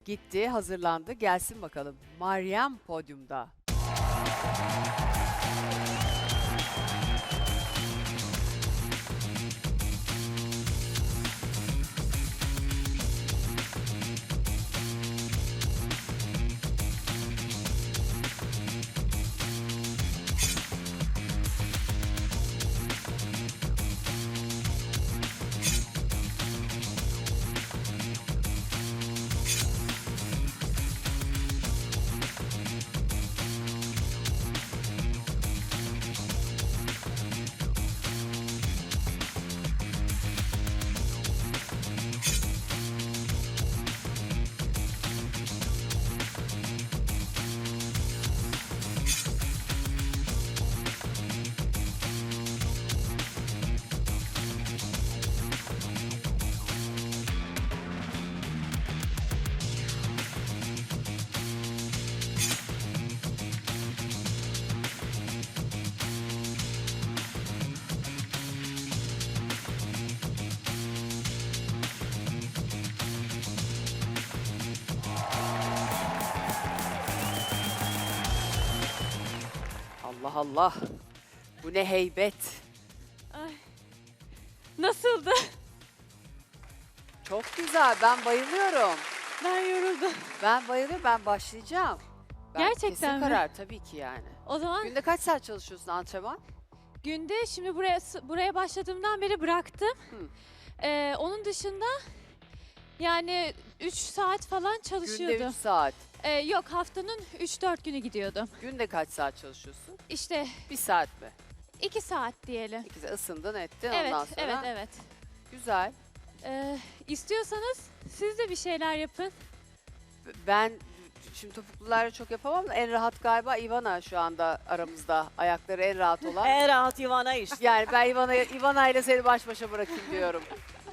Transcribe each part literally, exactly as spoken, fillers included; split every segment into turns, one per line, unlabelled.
Gitti, hazırlandı. Gelsin bakalım. Meryem podyumda. Allah Allah. Bu ne heybet.
Ay. Nasıldı?
Çok güzel. Ben bayılıyorum.
Ben yoruldum.
Ben bayılıyorum. Ben başlayacağım. Ben
Gerçekten
kesin
mi?
karar tabii ki yani.
O zaman
Günde kaç saat çalışıyorsun antrenman?
günde şimdi buraya buraya başladığımdan beri bıraktım.
Hı.
Ee, onun dışında yani üç saat falan
Günde
çalışıyordum.
üç saat.
Ee, yok haftanın üç dört günü gidiyordum.
Günde kaç saat çalışıyorsun?
İşte
Bir saat mi?
iki saat diyelim.
İkisi ısındın ettin
Evet,
ondan sonra.
evet, evet.
Güzel.
Ee, istiyorsanız siz de bir şeyler yapın.
Ben şimdi topuklularla çok yapamam da en rahat galiba Ivana şu anda aramızda. Ayakları en rahat olan.
En rahat Ivana işte.
Yani ben Ivana, Ivana ile seni baş başa bırakayım diyorum.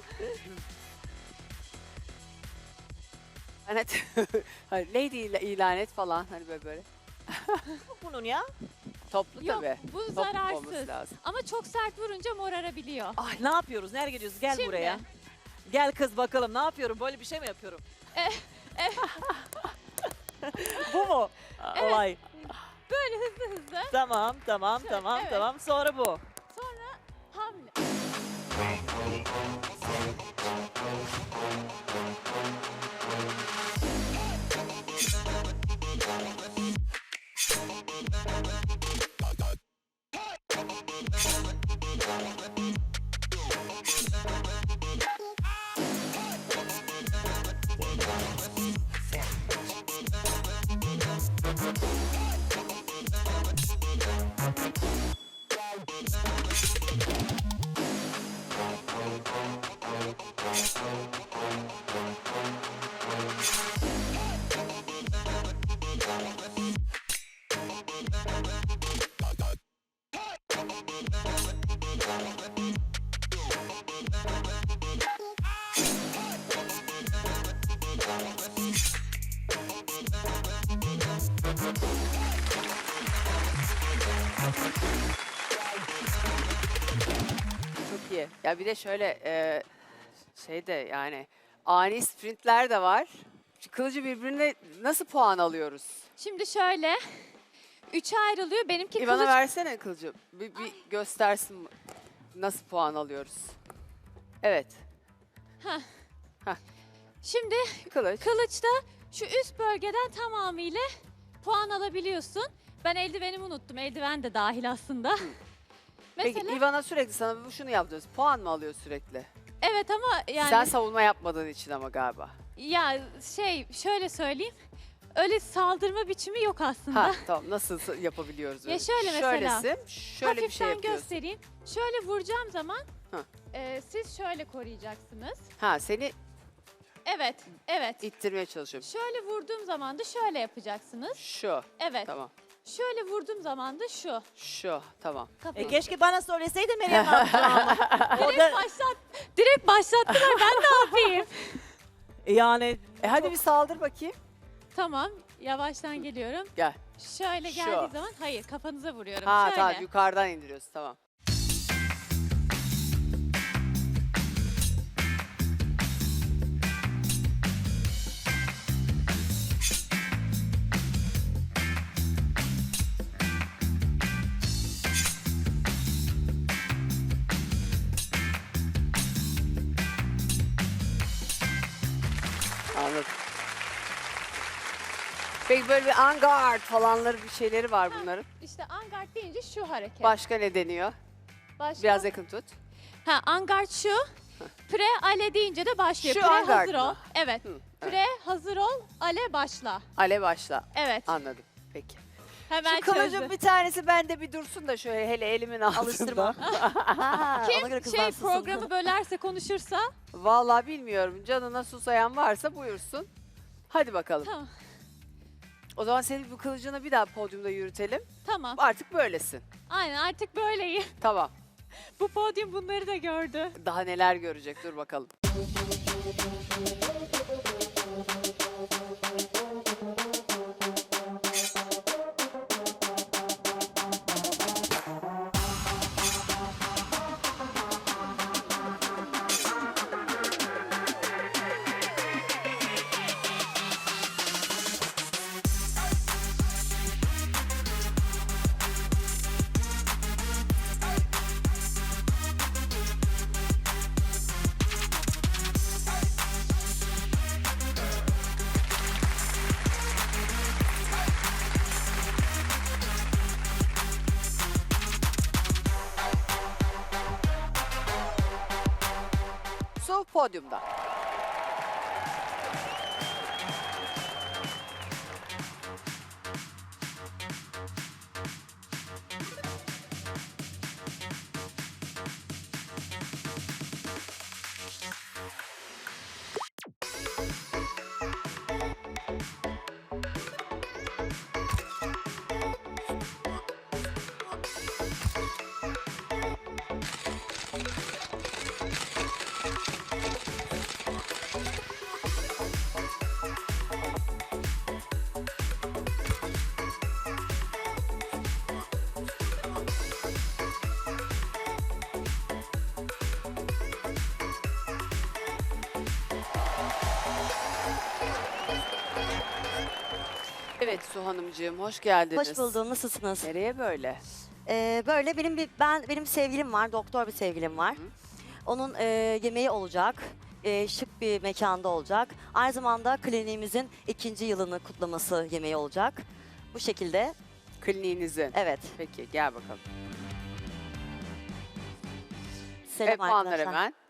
Hani hani lady ile ilan et falan hani böyle böyle.
Bunun ya.
Toplu
Yok,
tabii.
bu
Toplu olması
zararsız.
lazım.
Ama çok sert vurunca morarabiliyor.
Ay ne yapıyoruz? Nereye gidiyoruz? Gel
Şimdi.
buraya. Gel kız bakalım ne yapıyorum? Böyle bir şey mi yapıyorum?
Eh, eh.
Bu mu? Olay.
Böyle hızlı hızlı
Tamam, tamam,
Şöyle,
tamam,
evet.
tamam. Sonra bu.
hamle.
Çok iyi. Ya bir de şöyle e, şey de yani ani sprintler de var. Şu kılıcı birbirine nasıl puan alıyoruz?
Şimdi şöyle üçe ayrılıyor. Benimki
İvana
kılıç.
versene kılıcı. Bir, bir göstersin nasıl puan alıyoruz. Evet.
Şimdi
Kılıç.
kılıçta şu üst bölgeden tamamıyla puan alabiliyorsun. Ben eldivenimi unuttum. Eldiven de dahil aslında.
Peki
Mesela
Ivana sürekli sana bu şunu yap diyoruz. Puan mı alıyor sürekli?
evet ama yani
Sen savunma yapmadığın için ama galiba.
ya şey şöyle söyleyeyim. Öyle saldırma biçimi yok aslında.
Ha tamam nasıl s- yapabiliyoruz
Ya
öyle?
şöyle mesela,
Şöylesin, şöyle bir
Hafiften
şey yapıyorsun.
göstereyim. Şöyle vuracağım zaman
Hı.
e, siz şöyle koruyacaksınız.
Ha seni
Evet, evet.
ittirmeye çalışıyorum.
Şöyle vurduğum zaman da şöyle yapacaksınız.
Şu.
Evet.
Tamam.
Şöyle vurduğum zaman da şu.
Şu. Tamam.
E
Kafayı.
keşke bana söyleseydin Meryem abla. O
direkt
da
başlat. Direkt başlattılar. Ben ne yapayım?
yani
E hadi bir saldır bakayım.
Tamam. Yavaştan geliyorum.
Gel.
Şöyle
Şu.
geldiği zaman hayır kafanıza vuruyorum.
Ha
şöyle.
tamam yukarıdan indiriyorsun tamam. Peki böyle bir angard falanları bir şeyleri var bunların.
İşte angard deyince şu hareket.
Başka ne deniyor?
Başka?
Biraz yakın tut.
Ha, angard şu. Pre ale deyince de başlıyor.
Şu
Pre
angard
hazır ol.
mı?
Evet.
Hı,
Pre hazır ol, ale başla.
Ale başla.
Evet.
Anladım. Peki.
Hemen
Şu kılıcın
çözdüm.
bir tanesi bende bir dursun da şöyle hele elimin altında.
Alıştırma. Ha, ona göre
Kim
kızlar
şey
sussun.
programı bölerse konuşursa
Vallahi bilmiyorum. Canına susayan varsa buyursun. Hadi bakalım.
tamam.
O zaman senin bu kılıcını bir daha podyumda yürütelim.
Tamam.
Artık böylesin.
Aynen artık böyleyim.
Tamam.
Bu podyum bunları da gördü.
Daha neler görecek dur bakalım. Su podyumda. Evet Su Hanımcığım hoş geldiniz.
Hoş buldum. Nasılsınız?
Nereye böyle?
Ee, böyle benim bir ben benim sevgilim var, doktor bir sevgilim var.
Hı.
Onun e, yemeği olacak. E, şık bir mekanda olacak. Aynı zamanda kliniğimizin ikinci yılını kutlaması yemeği olacak. Bu şekilde.
Kliniğinizin.
Evet.
Peki gel bakalım.
Selam
Evet puanlar
arkadaşlar.
hemen.